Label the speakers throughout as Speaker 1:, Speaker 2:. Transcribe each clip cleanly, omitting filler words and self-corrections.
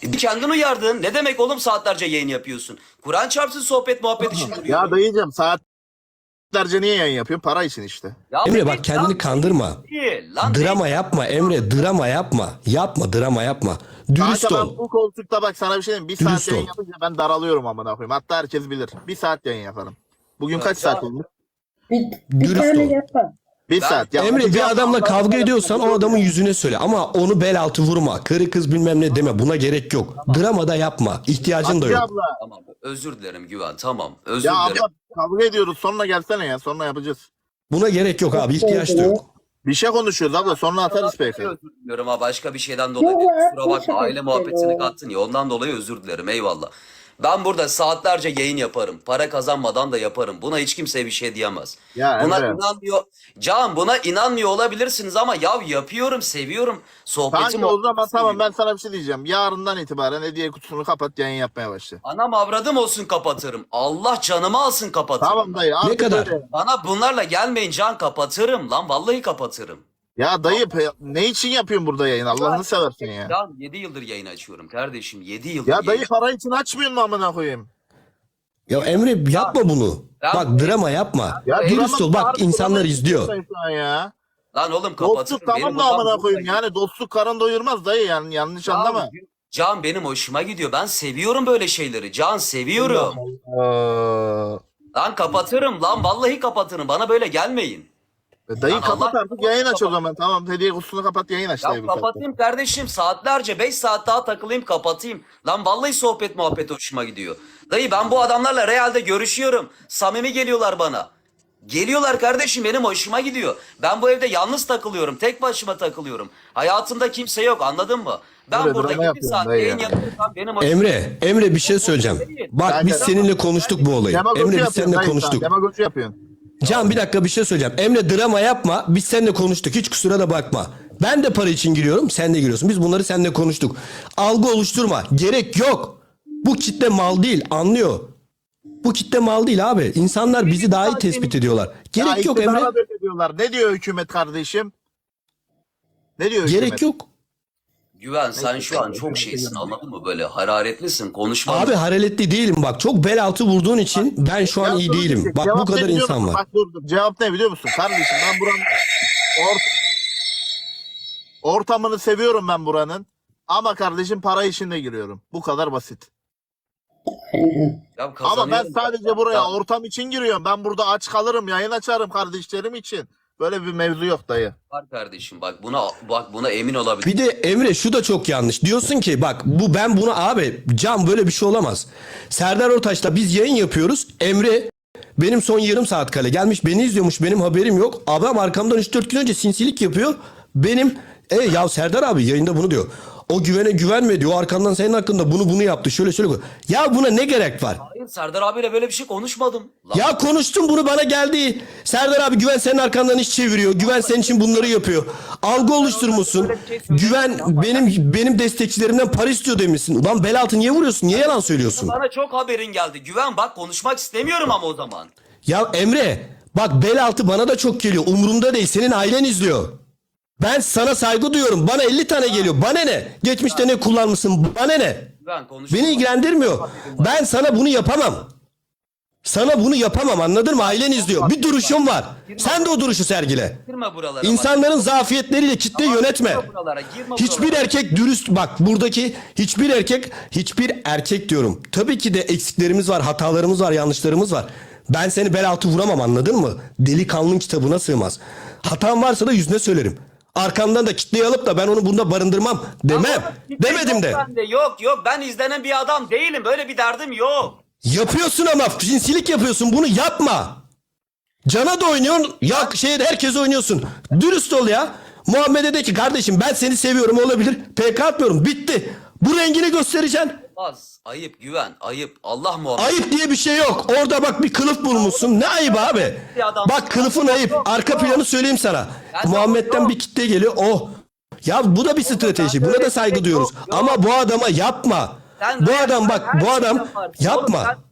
Speaker 1: Kendin uyardın. Ne demek oğlum saatlerce yayın yapıyorsun? Kur'an çarpsın sohbet muhabbet için duruyorum.
Speaker 2: Ya dayıcım saatlerce niye yayın yapıyorsun? Para için işte.
Speaker 1: Ya
Speaker 3: Emre
Speaker 1: benim
Speaker 3: bak kendini kandırma.
Speaker 1: değil, lan
Speaker 3: Drama
Speaker 1: değil.
Speaker 3: yapma Emre, drama yapma. Yapma, drama yapma. Dürüst
Speaker 2: Kanka ben
Speaker 3: ol.
Speaker 2: bu koltukta bak sana bir şey diyeyim. Bir
Speaker 3: Dürüst
Speaker 2: saat yayın
Speaker 3: ol.
Speaker 2: yapınca ben daralıyorum amına koyayım. Hatta herkes bilir. Bir saat yayın yaparım. Bugün kaç saat oldu?
Speaker 4: Bir
Speaker 3: Dürüst
Speaker 4: tane
Speaker 3: ol.
Speaker 4: yapma.
Speaker 2: Bir
Speaker 1: Ben-
Speaker 2: saat. Ya
Speaker 3: Emre bir adamla kavga ediyorsan o adamın
Speaker 2: yüzü.
Speaker 3: yüzüne söyle. Ama onu bel altı vurma. Karı kız bilmem ne deme. Buna gerek yok. Drama da yapma. İhtiyacın da yok.
Speaker 2: Abla.
Speaker 1: Tamam özür dilerim Güven tamam özür
Speaker 2: Ya
Speaker 1: dilerim.
Speaker 2: abla kavga ediyoruz. Sonra gelsene ya. Sonra yapacağız.
Speaker 3: Buna gerek yok abi. İhtiyaç da yok.
Speaker 2: Bir şey konuşuyoruz abla. Sonra atarız peki.
Speaker 1: Özür diliyorum ha başka bir şeyden dolayı
Speaker 4: Yok
Speaker 1: değil.
Speaker 4: ya,
Speaker 1: Kusura bakma
Speaker 4: teşekkür
Speaker 1: aile
Speaker 4: ederim.
Speaker 1: muhabbetini kattın ya ondan dolayı özür dilerim eyvallah. Ben burada saatlerce yayın yaparım. Para kazanmadan da yaparım. Buna hiç kimse bir şey diyemez.
Speaker 2: Ya
Speaker 1: Buna
Speaker 2: Emre.
Speaker 1: inanmıyor. Can buna inanmıyor olabilirsiniz ama ya yapıyorum, seviyorum. Sohbeti
Speaker 2: Kanka o zaman tamam
Speaker 1: seviyorum.
Speaker 2: ben sana bir şey diyeceğim. Yarından itibaren hediye kutusunu kapat yayın yapmaya başla.
Speaker 1: Anam avradım olsun kapatırım. Allah canımı alsın kapatırım.
Speaker 2: Tamam dayı. artık
Speaker 3: kadar?
Speaker 2: öyle.
Speaker 1: Bana bunlarla gelmeyin Can kapatırım lan vallahi kapatırım.
Speaker 2: Ya dayı ne için yapıyorsun burada yayın? Allah'ını seversen ya.
Speaker 1: Can 7 yıldır yayın açıyorum kardeşim 7 yıldır
Speaker 2: Ya dayı
Speaker 1: yayın.
Speaker 2: para için açmıyorsun mu amına koyayım?
Speaker 3: Ya Emre yapma bunu.
Speaker 1: Ya-
Speaker 3: Bak drama yapma.
Speaker 2: Ya
Speaker 3: Dürüst ol. Bak insanlar izliyor.
Speaker 2: Ya.
Speaker 1: Lan oğlum kapatırım.
Speaker 2: Dostluk tamam
Speaker 1: Benim
Speaker 2: da
Speaker 1: odam
Speaker 2: amına
Speaker 1: burada.
Speaker 2: koyayım. Yani dostluk karın doyurmaz dayı yani yanlış anlama.
Speaker 1: Can benim hoşuma gidiyor. Ben seviyorum böyle şeyleri. Can seviyorum. Lan kapatırım lan vallahi kapatırım. Bana böyle gelmeyin.
Speaker 2: Dayı
Speaker 1: Lan
Speaker 2: kapat
Speaker 1: Allah-
Speaker 2: artık yayın aç o zaman. Tamam hediye kutusunu kapat yayın aç
Speaker 1: Ya
Speaker 2: dayı bu saatte.
Speaker 1: kapatayım kardeşim saatlerce 5 saat daha takılayım kapatayım. Lan vallahi sohbet muhabbet hoşuma gidiyor. Dayı ben bu adamlarla realde görüşüyorum. Samimi geliyorlar bana. Geliyorlar kardeşim benim hoşuma gidiyor. Ben bu evde yalnız takılıyorum. Tek başıma takılıyorum. Hayatımda kimse yok anladın mı? Ben
Speaker 2: Böyle
Speaker 1: burada
Speaker 2: drama
Speaker 1: 7
Speaker 2: yapıyorsun
Speaker 1: saat
Speaker 2: dayı
Speaker 1: yayın
Speaker 2: ya.
Speaker 1: yapıyorsam benim hoşuma
Speaker 3: Emre bir şey söyleyeceğim. Bak biz seninle konuştuk bu olayı.
Speaker 2: Demagoji
Speaker 3: Emre biz
Speaker 2: yapıyorsun
Speaker 3: seninle
Speaker 2: dayı sen,
Speaker 3: konuştuk.
Speaker 2: Demagoji yapıyorsun.
Speaker 3: Can bir dakika bir şey söyleyeceğim. Emre drama yapma. Biz seninle konuştuk. Hiç kusura da bakma. Ben de para için giriyorum. Sen de giriyorsun. Biz bunları seninle konuştuk. Algı oluşturma. Gerek yok. Bu kitle mal değil. Anlıyor. Bu kitle mal değil abi. İnsanlar bizi daha iyi tespit ediyorlar. Gerek
Speaker 2: Ya
Speaker 3: yok Emre.
Speaker 2: iktidara böyle diyorlar. Ne diyor hükümet kardeşim? Ne diyor hükümet?
Speaker 3: Gerek yok.
Speaker 1: Güven sen şu an çok şeysin anladın mı? Böyle hararetlisin konuşma.
Speaker 3: Abi hararetli değilim bak. Çok bel altı vurduğun için ben şu an
Speaker 2: Ya
Speaker 3: iyi
Speaker 2: dur,
Speaker 3: değilim. Bak bu
Speaker 2: cevap ne
Speaker 3: kadar
Speaker 2: biliyor
Speaker 3: insan
Speaker 2: musun?
Speaker 3: var.
Speaker 2: Bak dur. Cevap ne biliyor musun? Kardeşim ben buranın ortamını seviyorum ben buranın. Ama kardeşim para işinde giriyorum. Bu kadar basit.
Speaker 1: Ya
Speaker 2: Ama ben
Speaker 1: kazanıyorum.
Speaker 2: sadece buraya
Speaker 1: Ya-
Speaker 2: ortam için giriyorum. Ben burada aç kalırım, yayın açarım kardeşlerim için. Böyle bir mevzu yok dayı.
Speaker 1: Var kardeşim buna emin olabilir.
Speaker 3: Bir de Emre şu da çok yanlış. Diyorsun ki bak ben buna abi Can böyle bir şey olamaz. Serdar Ortaç'ta biz yayın yapıyoruz. Emre benim son yarım saat kale gelmiş beni izliyormuş benim haberim yok. Adam arkamdan 3-4 gün önce sinsilik yapıyor. Benim ya Serdar abi yayında bunu diyor. O güvene güvenme diyor. O arkandan senin hakkında bunu yaptı. Şöyle. Ya buna ne gerek var?
Speaker 1: Hayır Serdar abiyle böyle bir şey konuşmadım. Lan,
Speaker 3: Ya konuştum bunu bana geldi. Serdar abi Güven senin arkandan iş çeviriyor. Güven senin için bunları yapıyor. Algı oluşturmuşsun. Güven benim destekçilerimden para istiyor demişsin. Ulan bel altı niye vuruyorsun? Niye yalan söylüyorsun?
Speaker 1: bana çok haberin geldi. Güven bak konuşmak istemiyorum ama o zaman.
Speaker 3: Ya Emre bak bel altı bana da çok geliyor. Umurumda değil. Senin ailen izliyor. Ben sana saygı duyuyorum. Bana 50 tane geliyor. Bana ne? Geçmişte ne kullanmışsın? Bana ne?
Speaker 1: Güven konuşma.
Speaker 3: Beni ilgilendirmiyor. Ben sana bunu yapamam. Sana bunu yapamam anladın mı? Ailen izliyor. Bir duruşum var. Sen de o duruşu sergile.
Speaker 1: Girme buralara.
Speaker 3: İnsanların zafiyetleriyle kitle yönetme.
Speaker 1: Girme buralara, girme
Speaker 3: Hiçbir
Speaker 1: buralara.
Speaker 3: erkek dürüst bak buradaki hiçbir erkek diyorum. Tabii ki de eksiklerimiz var, hatalarımız var, yanlışlarımız var. Ben seni bel altı vuramam anladın mı? Delikanlının kitabına sığmaz. Hatam varsa da yüzüne söylerim. Arkamdan da kitleyi alıp da ben onu bunda barındırmam demem. Demedim de.
Speaker 1: Yok ben izlenen bir adam değilim. Böyle bir derdim yok.
Speaker 3: Yapıyorsun ama cinsilik yapıyorsun bunu yapma. Cana da oynuyorsun ya herkes oynuyorsun. Dürüst ol ya. Muhammed'e de ki kardeşim ben seni seviyorum olabilir. PK atmıyorum bitti. Bu rengini göstereceksin.
Speaker 1: Az. Ayıp Güven. Ayıp. Allah muhabbet.
Speaker 3: Ayıp diye bir şey yok. Orada bak bir kılıf bulmuşsun. Ne ayıp abi? Bak kılıfın ayıp. Arka planı söyleyeyim sana. Muhammed'den bir kitle geliyor. Oh. Ya bu da bir strateji. Buna da saygı duyuyoruz. Ama bu adama yapma. Bu adam bak bu adam yapma.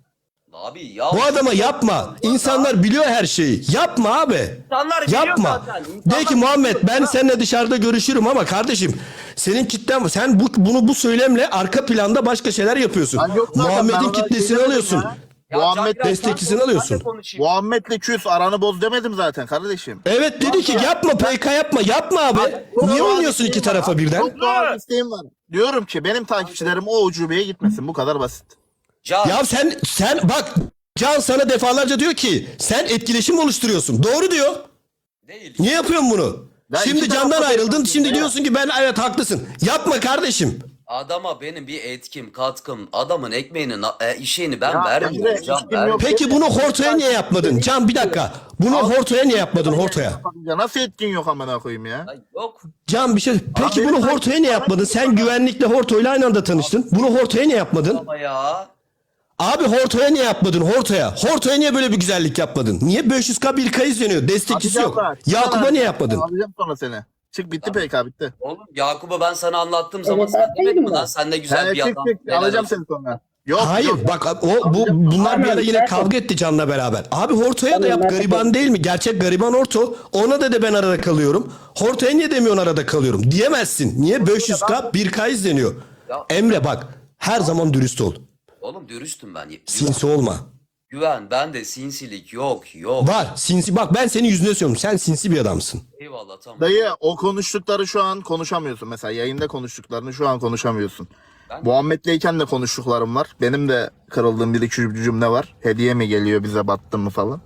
Speaker 1: Abi ya.
Speaker 3: Bu adama yapma. İnsanlar biliyor her şeyi. Yapma abi.
Speaker 1: İnsanlar biliyor
Speaker 3: Yapma.
Speaker 1: zaten.
Speaker 3: De ki Muhammed ben seninle dışarıda görüşürüm ama kardeşim senin kitlen sen bunu bu söylemle arka planda başka şeyler yapıyorsun.
Speaker 2: Lan yok zaten, ben
Speaker 3: Muhammed'in
Speaker 2: ona
Speaker 3: kitlesini
Speaker 2: şey demedim
Speaker 3: alıyorsun.
Speaker 2: ya.
Speaker 1: Ya
Speaker 2: Muhammed
Speaker 1: Can, biraz
Speaker 3: destekçisini
Speaker 1: ben de
Speaker 3: alıyorsun.
Speaker 1: konuşayım.
Speaker 2: Muhammed'le küs aranı boz demedim zaten kardeşim.
Speaker 3: Evet dedi ki yapma PK yapma abi. Niye oynuyorsun iki tarafa birden?
Speaker 2: Çok doğal isteğim var. Diyorum ki benim takipçilerim o ucubeye gitmesin. Bu kadar basit.
Speaker 1: Can,
Speaker 3: Ya sen bak Can sana defalarca diyor ki sen etkileşim oluşturuyorsun. Doğru diyor.
Speaker 1: değil.
Speaker 3: Niye yapıyorsun bunu?
Speaker 2: Ya
Speaker 3: Şimdi
Speaker 2: iki
Speaker 3: Can'dan
Speaker 2: tarafta
Speaker 3: ayrıldın.
Speaker 2: yapıyorsun
Speaker 3: Şimdi
Speaker 2: ya.
Speaker 3: diyorsun ki ben evet haklısın. Yapma kardeşim.
Speaker 1: Adama benim bir etkim, katkım, adamın ekmeğini, işini ben
Speaker 2: Ya
Speaker 1: vermiyorum.
Speaker 2: Emre,
Speaker 1: Can,
Speaker 2: etkim
Speaker 1: vermiyorum.
Speaker 2: yok.
Speaker 3: Peki bunu Horto'ya niye yapmadın? Can bir dakika. Bunu Horto'ya niye yapmadın Horto'ya?
Speaker 2: Ya nasıl etkin yok amına koyayım ya?
Speaker 1: Ay, yok.
Speaker 3: Can bir şey. Peki
Speaker 2: benim
Speaker 3: bunu Horto'ya niye yapmadın? Sen güvenlikle Horto'yla aynı anda tanıştın. Bunu Horto'ya niye yapmadın?
Speaker 1: Ama ya.
Speaker 3: Abi Horto'ya niye yapmadın? Horto'ya niye böyle bir güzellik yapmadın? Niye 500K bir kayız izleniyor? Destekçisi yok. Yakup'a niye yapmadın?
Speaker 2: Alacağım sonra seni. Çık bitti PK bitti.
Speaker 1: Oğlum Yakup'a ben sana anlattığım zaman
Speaker 4: Evet,
Speaker 1: sen demedin mi
Speaker 4: haklıydım
Speaker 1: lan?
Speaker 4: ben.
Speaker 1: Sen ne güzel
Speaker 2: He,
Speaker 1: bir
Speaker 2: çık
Speaker 1: adam.
Speaker 2: çık
Speaker 1: helal
Speaker 2: alacağım
Speaker 1: olsun.
Speaker 2: seni sonra. Yok
Speaker 3: Hayır
Speaker 2: yok.
Speaker 3: bak bunlar bir ara yine kavga etti Can'la beraber. Abi Horto'ya da yap gariban değil mi? Gerçek gariban Horto. Ona da ben arada kalıyorum. Horto'ya niye demiyorsun arada kalıyorum? Diyemezsin. Niye 500K 1K izleniyor?
Speaker 1: Ya.
Speaker 3: Emre bak her zaman dürüst ol.
Speaker 1: Oğlum dürüstüm ben.
Speaker 3: Sinsi olma.
Speaker 1: Güven, bende sinsilik yok.
Speaker 3: Var sinsi bak ben senin yüzüne söylüyorum. Sen sinsi bir adamsın.
Speaker 1: Eyvallah tamam.
Speaker 2: Dayı o konuştukları şu an konuşamıyorsun. Mesela yayında konuştuklarını şu an konuşamıyorsun.
Speaker 1: Ben-
Speaker 2: Muhammed'leyken de konuştuklarım var. Benim de kırıldığım bir iki cümle var. Hediye mi geliyor bize battın mı falan.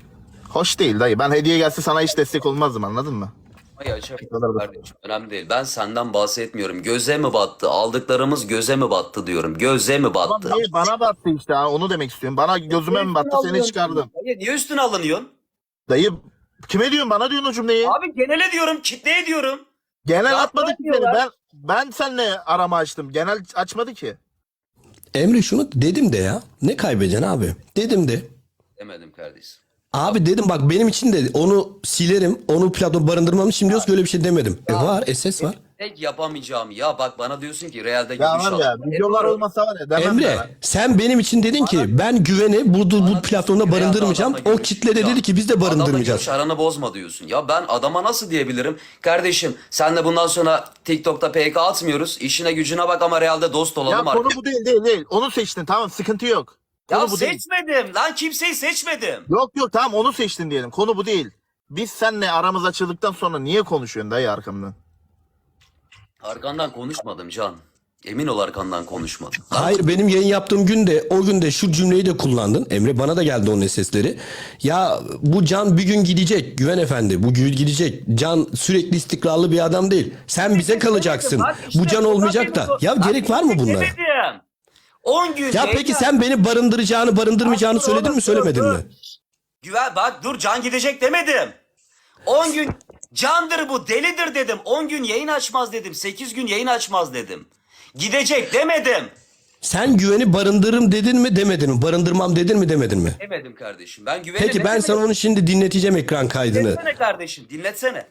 Speaker 2: Hoş değil dayı. Ben hediye gelse sana hiç destek olmazdım anladın mı?
Speaker 1: Ay açar.
Speaker 2: kadar da-
Speaker 1: Kardeşim, önemli değil. Ben senden bahsetmiyorum. Göze mi battı? Aldıklarımız göze mi battı diyorum. Göze mi battı?
Speaker 2: Dayı bana battı işte ha, onu demek istiyorum. Bana gözüme mi battı seni çıkardım.
Speaker 1: Dayı, niye üstüne alınıyorsun?
Speaker 2: Dayı kime diyorsun bana diyorsun o cümleyi.
Speaker 1: Abi genele diyorum, kitleye diyorum.
Speaker 2: Genel
Speaker 1: Ya
Speaker 2: atmadı ki seni.
Speaker 1: diyorlar.
Speaker 2: Ben seninle arama açtım. Genel açmadı ki.
Speaker 3: Emre şunu dedim de ya. Ne kaybedeceksin abi? Dedim de.
Speaker 1: Demedim kardeşim.
Speaker 3: Abi dedim bak benim için de onu silerim. Onu platform barındırmam için diyoruz ki öyle bir şey demedim. Var SS var.
Speaker 1: Tek yapamayacağım ya bak bana diyorsun ki Real'de
Speaker 2: Ya
Speaker 1: görüş
Speaker 2: var ya
Speaker 1: al.
Speaker 2: videolar olmasa var ya demem de
Speaker 3: Emre
Speaker 2: lan.
Speaker 3: sen benim için dedin ki ben güveni bu platformda barındırmayacağım. O kitle de dedi ki biz de barındırmayacağız.
Speaker 1: Adamla aranı bozma diyorsun. Ya ben adama nasıl diyebilirim? Kardeşim senle bundan sonra TikTok'ta PK atmıyoruz. İşine gücüne bak ama Real'de dost
Speaker 2: Ya
Speaker 1: olalım
Speaker 2: konu
Speaker 1: artık.
Speaker 2: bu değil. Onu seçtin tamam sıkıntı yok. Konu
Speaker 1: Ya
Speaker 2: bu değil.
Speaker 1: seçmedim lan kimseyi seçmedim.
Speaker 2: Yok tamam onu seçtin diyelim. Konu bu değil. Biz seninle aramız açıldıktan sonra niye konuşuyorsun dayı arkamdan?
Speaker 1: Arkandan konuşmadım Can. Emin ol arkandan konuşmadım.
Speaker 3: Hayır benim yayın yaptığım günde o günde şu cümleyi de kullandın. Emre bana da geldi onun sesleri. Ya bu Can bir gün gidecek Güven Efendi. Bu gün gidecek. Can sürekli istikrarlı bir adam değil. Sen bize kalacaksın.
Speaker 1: Bak işte
Speaker 3: Bu Can olmayacak da. Ya
Speaker 1: Bak
Speaker 3: gerek var mı
Speaker 1: işte
Speaker 3: bunlara?
Speaker 1: demedim. 10 gün
Speaker 3: Ya peki sen beni barındırmayacağını söyledin mi söylemedin mi?
Speaker 1: Güven bak dur Can gidecek demedim. 10 gün Candır bu delidir dedim. 10 gün yayın açmaz dedim. 8 gün yayın açmaz dedim. Gidecek demedim.
Speaker 3: Sen güveni barındırırım dedin mi demedin mi? Barındırmam dedin mi demedin mi?
Speaker 1: Demedim kardeşim. Ben güveni
Speaker 3: Peki ben sana onu şimdi dinleteceğim ekran kaydını.
Speaker 1: Dinletsene kardeşim dinletsene.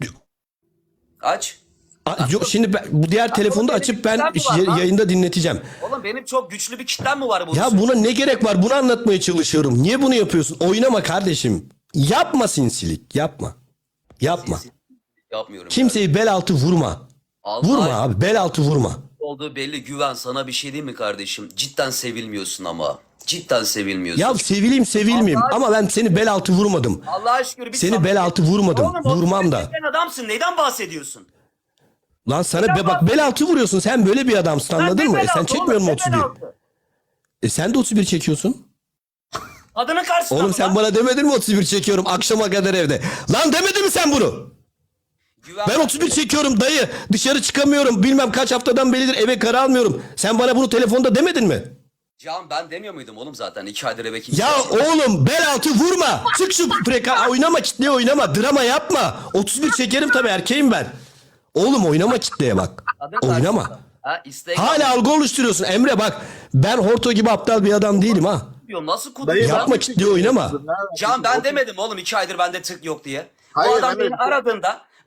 Speaker 1: Aç.
Speaker 3: Yok şimdi bu diğer telefonu da açıp ben yayında dinleteceğim.
Speaker 1: Oğlum benim çok güçlü bir kitlem mi var bu?
Speaker 3: Ya buna ne gerek var? Bunu anlatmaya çalışıyorum. Niye bunu yapıyorsun? Oynama kardeşim. Yapma sinsilik. Yapma. Yapma.
Speaker 1: Yapmıyorum.
Speaker 3: Kimseyi bel altı vurma.
Speaker 1: Allah
Speaker 3: Vurma
Speaker 1: aşkına.
Speaker 3: abi. Bel altı vurma.
Speaker 1: Olduğu belli Güven sana bir şey diyeyim mi kardeşim? Cidden sevilmiyorsun ama. Cidden sevilmiyorsun.
Speaker 3: Ya sevilmeyeyim ama ben seni bel altı vurmadım.
Speaker 1: Allah'a şükür bir
Speaker 3: Seni bel altı vurmadım.
Speaker 1: Oğlum,
Speaker 3: Vurmam da.
Speaker 1: Sen adamsın. Neyden bahsediyorsun?
Speaker 3: Lan sana bak bel altı vuruyorsun. Sen böyle bir adamsın anladın
Speaker 1: ne
Speaker 3: mı?
Speaker 1: bel
Speaker 3: Sen
Speaker 1: altı
Speaker 3: çekmiyor
Speaker 1: oğlum,
Speaker 3: musun
Speaker 1: ne bel
Speaker 3: 31?
Speaker 1: altı?
Speaker 3: Sen de 31 çekiyorsun.
Speaker 1: Adının karşısında
Speaker 3: Oğlum
Speaker 1: mı
Speaker 3: sen
Speaker 1: lan?
Speaker 3: bana demedin mi 31 çekiyorum akşama kadar evde? Lan demedin mi sen bunu?
Speaker 1: Güven
Speaker 3: Ben 31 çekiyorum dayı. Dışarı çıkamıyorum. Bilmem kaç haftadan beridir eve kara almıyorum. Sen bana bunu telefonda demedin mi?
Speaker 1: Can ben demiyor muydum oğlum zaten 2 aydır eve kimse.
Speaker 3: Ya oğlum bel altı vurma. Çık şu oynama kitleye oynama. Drama yapma. 31 çekerim tabii erkeğim ben. Oğlum oynama kitleye bak.
Speaker 1: Adın
Speaker 3: Oynama.
Speaker 1: karşısında. Ha, Instagram
Speaker 3: Hala algı oluşturuyorsun. Emre bak ben Horto gibi aptal bir adam değilim ha.
Speaker 1: diyor. Nasıl
Speaker 2: Dayı,
Speaker 1: kuduruyor?
Speaker 3: Yapma kitleye oynama.
Speaker 1: Can ben demedim oğlum 2 aydır bende tık yok diye.
Speaker 2: Hayır,
Speaker 1: Bu adam
Speaker 2: Emre,
Speaker 1: beni aradığında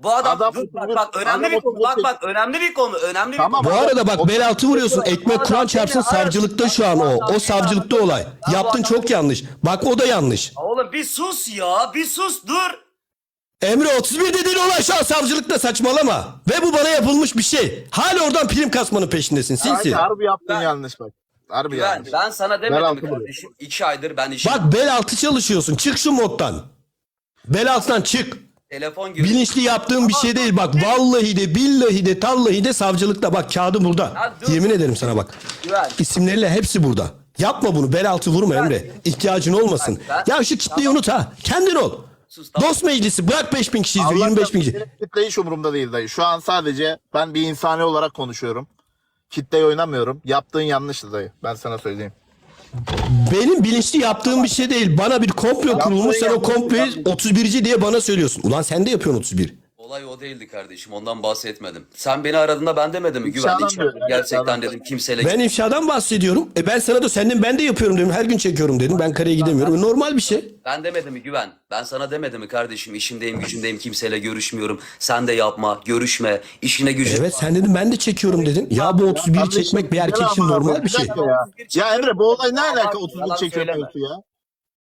Speaker 1: Bu adam,
Speaker 2: Adam
Speaker 1: dur,
Speaker 2: 31
Speaker 1: bak önemli
Speaker 2: adam
Speaker 1: bir konu.
Speaker 2: 31
Speaker 1: Bak önemli bir konu. Önemli bir
Speaker 2: Tamam.
Speaker 1: konu.
Speaker 3: Bu arada bak bel altı vuruyorsun. Ekmek
Speaker 1: Adam
Speaker 3: Kur'an çarpsın
Speaker 1: beni arasın.
Speaker 3: savcılıkta şu an o. O savcılıkta olay.
Speaker 1: Ben bu
Speaker 3: Yaptın
Speaker 1: adam-
Speaker 3: çok yanlış. Bak o da yanlış.
Speaker 1: Oğlum bir sus ya. Bir sus dur.
Speaker 3: Emre 31 dediğin olay şu an savcılıkta, saçmalama. Ve bu bana yapılmış bir şey. Hala oradan prim kasmanın peşindesin sinsi.
Speaker 2: Harbi yaptın
Speaker 1: Ben-
Speaker 2: yanlış bak. Harbi
Speaker 1: Ben,
Speaker 2: yanlış.
Speaker 1: ben sana
Speaker 2: Bel
Speaker 1: demedim
Speaker 2: altı
Speaker 1: mi
Speaker 2: vuruyor.
Speaker 1: kardeşim? 2 aydır ben işim.
Speaker 3: Bak bel altı çalışıyorsun. Çık şu moddan. Bel altından çık.
Speaker 1: Telefon gibi.
Speaker 3: Bilinçli yaptığın bir şey değil. Bak vallahi de billahi de tallahi de savcılıkta. Bak kağıdı burada.
Speaker 1: Ya dur.
Speaker 3: Yemin ederim sana bak.
Speaker 1: Güven.
Speaker 3: İsimleriyle hepsi burada. Yapma bunu. Bel altı vurma Emre. İhtiyacın olmasın.
Speaker 1: Ben-
Speaker 3: Ya şu kitleyi unut ha. Kendin ol.
Speaker 1: Sus, tamam.
Speaker 3: Dost meclisi bırak 5000 kişi izliyor, 25 bin kişi.
Speaker 2: Benim kitle hiç umurumda değil dayı. Şu an sadece ben bir insani olarak konuşuyorum. Kitleyi oynamıyorum. Yaptığın yanlıştı dayı. Ben sana söyleyeyim.
Speaker 3: Benim bilinçli yaptığım bir şey değil. Bana bir komplo kurulmuş. Sen o komployu 31'ci diye bana söylüyorsun. Ulan sen de yapıyorsun 31.
Speaker 1: Olay o değildi kardeşim. Ondan bahsetmedim. Sen beni aradığında ben demedim mi? Güven
Speaker 2: İfşadan
Speaker 1: içim.
Speaker 2: diyorum, evet,
Speaker 1: Gerçekten
Speaker 2: tamam.
Speaker 1: dedim kimseyle.
Speaker 3: Ben ifşadan bahsediyorum. Ben sana da senden ben de yapıyorum dedim. Her gün çekiyorum dedim. Ben kareye gidemiyorum. Normal bir şey.
Speaker 1: Ben demedim mi Güven? Ben sana demedim mi kardeşim? İşimdeyim, gücümdeyim, kimseyle görüşmüyorum. Sen de yapma, görüşme, işine gücüne.
Speaker 3: Evet sen dedin ben de çekiyorum dedin. Ya bu 31'i
Speaker 2: Kardeşim,
Speaker 3: çekmek bir erkek
Speaker 2: güzel
Speaker 3: için
Speaker 2: ama
Speaker 3: normal
Speaker 2: abi,
Speaker 3: bir şey.
Speaker 2: dakika Ya. Ya Emre bu olay ne alaka
Speaker 1: Yalan
Speaker 2: 31
Speaker 1: söyleme.
Speaker 2: çekemiyorsun ya?